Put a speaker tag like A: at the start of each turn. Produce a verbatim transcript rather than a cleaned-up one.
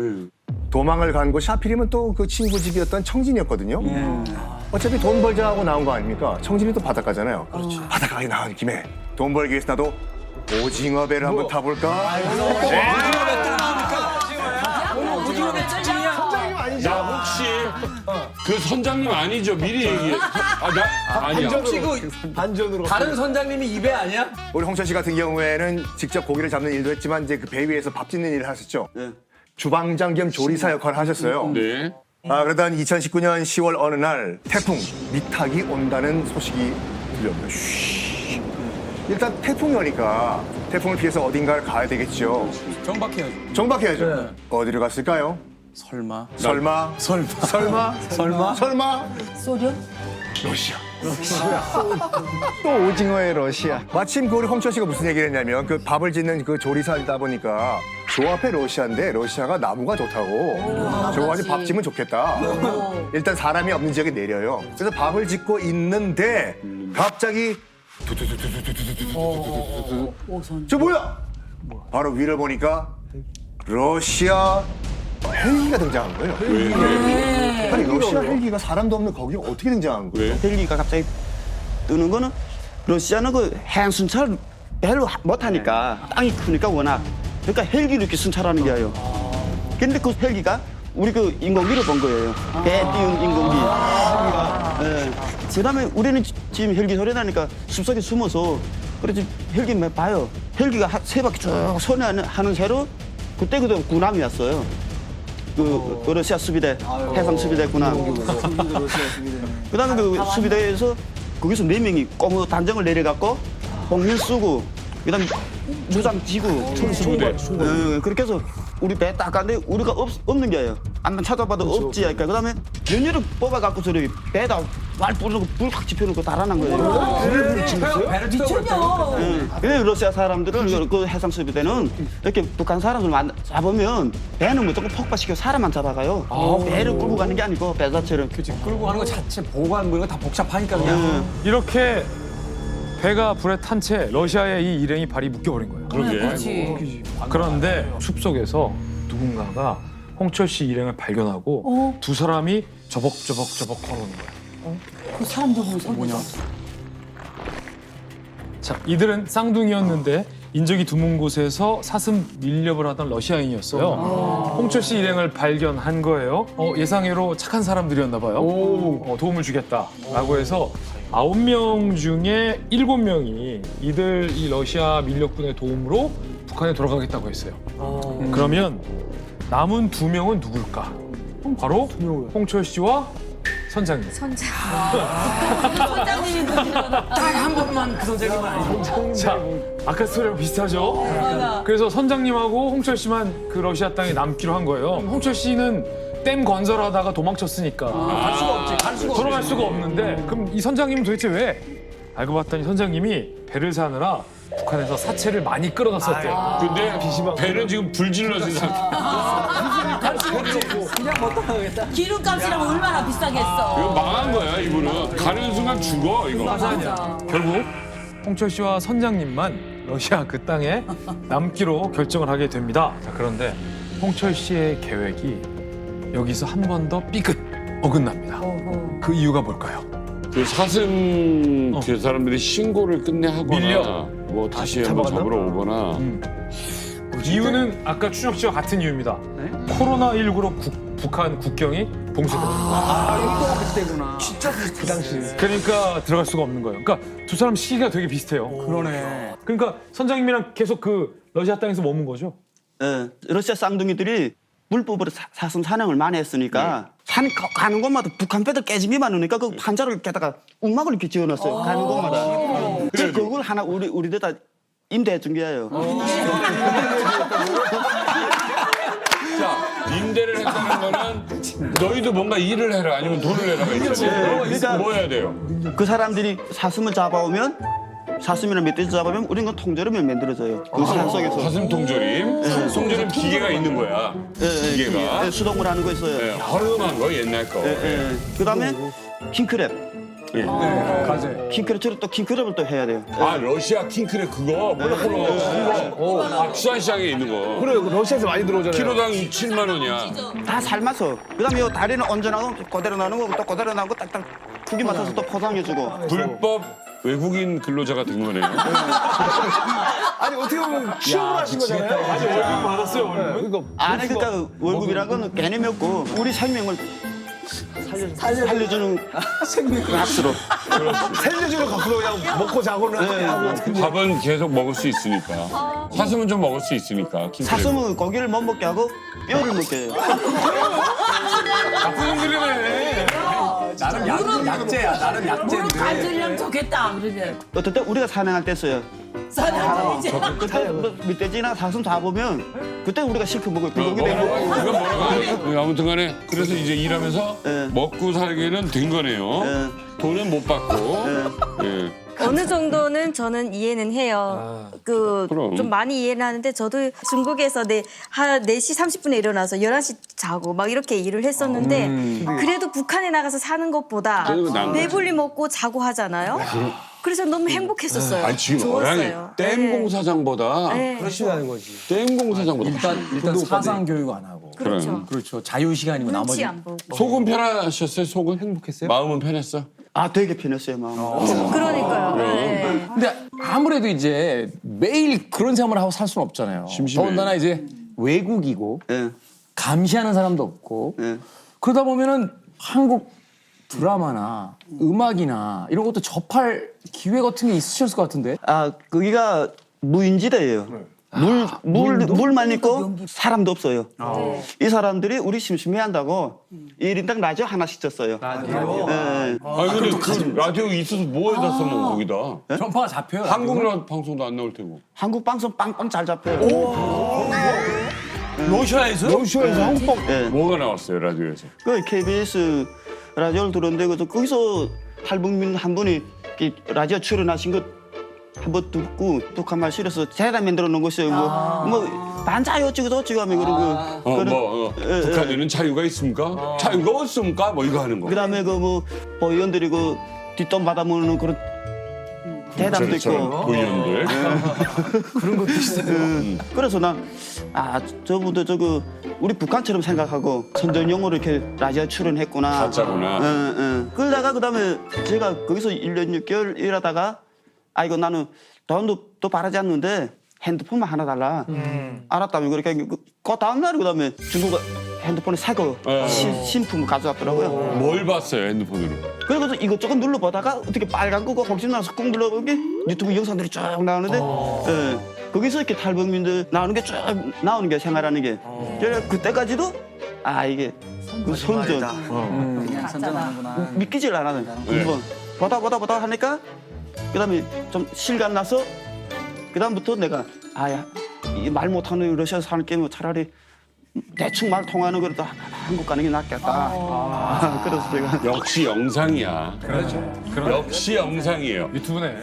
A: 도망을 간 곳이 하필이면 또 그 친구 집이었던 청진이었거든요. 어차피 돈 벌자 하고 나온 거 아닙니까? 청진이 또 바닷가잖아요. 그렇죠. 바닷가에 나온 김에 돈 벌기 위해서 나도 오징어 배를 한번 타볼까?
B: 야 혹시 그 선장님 아니죠? 미리 얘기해. 아, 나 아니야.
C: 혹시 그
A: 반전으로.
C: 다른 선장님이 입에 아니야?
A: 우리 홍철 씨 같은 경우에는 직접 고기를 잡는 일도 했지만 이제 그 배 위에서 밥 짓는 일을 하셨죠. 주방장 겸 조리사 역할을 하셨어요.
B: 네.
A: 아, 그러던 이천십구 년 시월 어느 날 태풍 미탁이 온다는 소식이 들려옵니다. 쉬. 일단 태풍이 오니까 태풍을 피해서 어딘가를 가야 되겠죠.
C: 정박해야죠.
A: 정박해야죠.
C: 네.
A: 어디로 갔을까요?
C: 설마.
A: 설마?
C: 설마.
A: 설마?
C: 설마.
A: 설마?
D: 소련?
A: 러시아.
E: 또 오징어의 러시아.
A: 마침 그 우리 홍철 씨가 무슨 얘기를 했냐면 그 밥을 짓는 그 조리사이다 보니까 조 앞에 러시아인데 러시아가 나무가 좋다고. 저거 가지고 밥 짓면 좋겠다. 일단 사람이 없는 지역에 내려요. 그래서 밥을 짓고 있는데 갑자기
D: 오선.
A: 저 뭐야? 바로 위를 보니까 러시아 헬기가 등장한 거예요.
B: 왜? 왜?
A: 아니 러시아 헬기가 사람도 없는 거기에 어떻게 등장한 거예요?
B: 왜?
F: 헬기가 갑자기 뜨는 거는 러시아는 그 해양 순찰을 별로 못 하니까 땅이 크니까 워낙 그러니까 헬기로 이렇게 순찰하는 거예요. 근데 그 헬기가 우리 그 인공기를 본 거예요. 배 띄운 인공기. 예. 그다음에 우리는 지- 지금 헬기 소리 나니까 숲속에 숨어서 그래서 헬기 몇 봐요. 헬기가 하- 세 바퀴 쭉 선회하는 하는 새로 그때 그때 군함이 왔어요. 그, 그 러시아 수비대, 해상 수비대 군함. 그다음에 그 수비대에서 거기서 네 명이 꼬무 단정을 내려갖고 봉일 쓰고 그다음에 무장 지고
B: 수비대.
F: 예, 그렇게 해서 우리 배 딱 갔는데 우리가 없, 없는 게예요. 안만 찾아봐도 없지. 그러니까 그다음에 연료를 뽑아갖고 저리 배에다 말 뿌리고 불 확 지펴놓고 달아난 거예요.
C: 배를 미쳤냐?
F: 예. 그래서 러시아 사람들은 그 해상 수비대는 이렇게 북한 사람들 만 잡으면 배는 무조건 폭파시켜 사람만 잡아가요. 배를 끌고 가는 게 아니고 배 자체를.
C: 그치, 끌고 가는 거 자체 보관 뭐 이런 거 다 복잡하니까 그냥.
F: 예.
G: 이렇게 배가 불에 탄 채 러시아의 이 일행이 발이 묶여버린 거예요.
B: 그러게.
D: 그렇지.
G: 그런데 숲속에서 누군가가 홍철 씨 일행을 발견하고
D: 어?
G: 두 사람이 저벅저벅저벅 걸어오는 거예요.
D: 그 사람 저분 뭐냐?
G: 자, 이들은 쌍둥이였는데 인적이 드문 곳에서 사슴 밀렵을 하던 러시아인이었어요. 홍철 씨 일행을 발견한 거예요. 어, 예상외로 착한 사람들이었나 봐요. 어, 도움을 주겠다라고 해서 아홉 명 중에 일곱 명이 이들 이 러시아 밀렵군의 도움으로 북한에 돌아가겠다고 했어요. 그러면 남은 두 명은 누굴까? 바로 홍철 씨와 선장님.
D: 선장. 선장님이 누구나.
C: 한 번만 그 선생님은 아니고.
G: 자, 아까 스토리랑 비슷하죠? 그래서 선장님하고 홍철 씨만 그 러시아 땅에 남기로 한 거예요. 홍철 씨는 댐 건설하다가 도망쳤으니까
C: 갈 수가 없지. 갈 수가 없지.
G: 돌아갈 수가 없는데 그럼 이 선장님은 도대체 왜? 알고 봤더니 선장님이 배를 사느라 북한에서 사체를 많이 끌어갔었대요.
B: 근데 배는 지금 불질러진 상태.
C: 그냥 못 따라가겠다.
D: 기름값이랑 얼마나 비싸겠어.
B: 이거 망한 거야 이분은. 가는 순간 죽어 이거.
G: 결국 홍철 씨와 선장님만 러시아 그 땅에 남기로 결정을 하게 됩니다. 자, 그런데 홍철 씨의 계획이 여기서 한 번 더 삐끗 어긋납니다. 그 이유가 뭘까요?
B: 그 사슴
G: 어.
B: 그 사람들이 신고를 끝내 하거나
G: 밀려.
B: 뭐 다시 한번 잡으러 오거나.
G: 음. 이유는 아까 추적 씨와 같은 이유입니다. 코로나십구로 국- 북한 국경이 봉쇄됩니다.
C: 아, 이거 그때구나. 진짜 그 당시.
G: 그러니까 들어갈 수가 없는 거예요. 그러니까 두 사람 시기가 되게 비슷해요.
C: 그러네.
G: 그러니까 선장님이랑 계속 그 러시아 땅에서 머문 거죠?
F: 예, 러시아 쌍둥이들이 불법으로 사- 사슴 사냥을 많이 했으니까 산 가- 가는 곳마다 북한 배들 깨짐이 많으니까 그 판자를 깨다가 움막을 이렇게 지어놨어요. 가는 곳마다. 그래서 그걸 하나 우리 우리들다 임대해 준 거예요.
B: 자 임대를 했다는 거는 너희도 뭔가 일을 해라 아니면 돈을 내라가 있잖아요.
F: 그러니까
B: 뭐 해야 돼요?
F: 그 사람들이 사슴을 잡아오면 사슴이나 멧돼지 잡아오면 우리는 그 통조림을 만들어줘요. 그 산 속에서.
B: 사슴 통조림. 통조림 기계가 있는 거야.
F: 예, 예,
B: 기계가.
F: 예, 수동으로 하는 거 있어요.
B: 네, 허름한 거 옛날 거.
F: 예, 예. 그다음에 킹크랩.
B: 예.
C: 가재.
F: 킹크랩처럼 또 킹크랩을 또 해야 돼요.
B: 아 러시아 킹크랩 그거 몰라 몰라. 그거 아, 수산시장에 있는 거.
E: 그래, 러시아에서 많이 들어오잖아요.
B: 키로당 칠만 원이야.
F: 다 삶아서. 그다음에 요 다리는 얹어나고 그대로 나는 거고 또 그대로 나고 딱딱 크기 맞춰서 또 포장해주고.
B: 불법 외국인 근로자가 된 거네요.
E: 아니, 어떻게 보면 취업을 하신 거잖아요.
C: 아니 월급 받았어요 월급.
E: 그러니까
F: 아니 그러니까 월급이란 건 개념이었고 우리 생명을 살려주는 값으로.
E: 살려주는 값으로 그냥 먹고 자고는 하고.
B: 밥은 계속 먹을 수 있으니까. 사슴은 좀 먹을 수 있으니까. 킹크랩.
F: 사슴은 고기를 못 먹게 하고 뼈를 먹게 해요.
G: 나쁜 놈들이네.
C: 나름 약, 약재야. 나름
D: 무릎
C: 약재인데.
D: 관절이랑 좋겠다. 그러게.
F: 어떨 때 우리가 산행할 때 써요.
D: 사장 이제.
F: 그때 뭐 멧돼지나 사슴 잡으면 그때 우리가 실컷 먹어요. 불고기 되고.
B: 이건 뭐라고 하네. 아무튼 간에 그래서 이제 일하면서
F: 예.
B: 먹고 살기는 된 거네요.
F: 예.
B: 돈은 못 받고. 예.
H: 어느 정도는 저는 이해는 해요. 그
B: 그럼.
H: 좀 많이 이해는 하는데 저도 중국에서 네, 한 네 시 삼십 분에 일어나서 열한 시 자고 막 이렇게 일을 했었는데 그래도 북한에 나가서 사는 것보다
B: 그래도 나은 거지.
H: 배불리 먹고 자고 하잖아요. 그래서 너무 행복했었어요.
B: 아니 지금
H: 좋았어요.
B: 어양이 댐
H: 네.
B: 공사장보다
H: 네.
E: 하는 거지.
B: 댐 공사장보다
C: 일단 일단 사상 교육 안 하고.
H: 그렇죠.
C: 그렇죠. 자유 시간이고
H: 눈치
C: 나머지.
H: 안 보고.
B: 속은 편하셨어요? 속은
C: 행복했어요?
B: 마음은 편했어?
F: 아 되게 편했어요 마음.
H: 그러니까요. 네.
C: 근데 아무래도 이제 매일 그런 생활을 하고 살 수는 없잖아요.
B: 심심해.
C: 더군다나 이제 외국이고
F: 예.
C: 감시하는 사람도 없고
F: 예.
C: 그러다 보면은 한국 드라마나 음악이나 이런 것도 접할 기회 같은 게 있으셨을 것 같은데.
F: 아 거기가 무인지대예요. 물, 물, 물만 있고 사람도 없어요. 이 사람들이 우리 심심해한다고 일 인당 라디오 하나씩 줬어요. 라디오? 예.
B: 아니 근데 그 라디오 있어서 뭐에다 써먹어 거기다?
C: 전파가 잡혀요.
B: 한국 라 방송도 안 나올 테고.
F: 한국 방송 빵빵 잘 잡혀요.
C: 러시아에서?
E: 러시아에서 한국 방
F: 예.
B: 뭐가 나왔어요 라디오에서?
F: 그 케이비에스 라디오를 들었는데 그래서 거기서 탈북민 한 분이 이 라디오 출연하신 것 한번 듣고 북한 말 실어서 재단 만들어 놓은 거 있어요. 뭐, 뭐 반자유 어쩌고 저쩌고 하면 그러고
B: 어,
F: 그런-
B: 뭐 어,
F: 예, 예.
B: 북한에는 자유가 있습니까? 자유가 없습니까? 뭐 이거 하는 거.
F: 그다음에 그 뭐 의원들이 그 뒷돈 받아 먹는 그런 대담도
B: 그렇죠.
F: 있고.
B: 의원들.
C: 그런 것도 있어요.
F: 그래서 난 아 저분도 저거 우리 북한처럼 생각하고 선전용어로 이렇게 라디오 출연했구나.
B: 가짜구나.
F: 응, 응. 그러다가 그다음에 제가 거기서 일 년 육 개월 일하다가 아 이거 나는 돈도 또 바라지 않는데 핸드폰만 하나 달라. 알았다며 그러니까 그, 그 다음 날 그다음에 중국 핸드폰에 새거
B: 어.
F: 신- 신품을 가져왔더라고요.
B: 뭘 봤어요 핸드폰으로?
F: 그래서 이것저것 눌러보다가 어떻게 빨간 거고 혹시 나서 꾹 눌러보면 유튜브 영상들이 쭉 나오는데 예, 거기서 이렇게 탈북민들 나오는 게 쭉 나오는 게 생활하는 게 그래서 그때까지도 아 이게 그 선전
D: 그냥 선전하는구나.
F: 믿기질 않아요.
B: 네.
F: 한번 보다 보다 보다 하니까 그다음에 좀 실감 나서 그다음부터 내가 아야 이 말 못하는 러시아 사는 게뭐 차라리 대충 말 통하는 거라도 한국 가는 게 낫겠다. 아, 그래서 제가
B: 역시 영상이야. 그렇죠. 역시 영상이에요.
G: 유튜브네.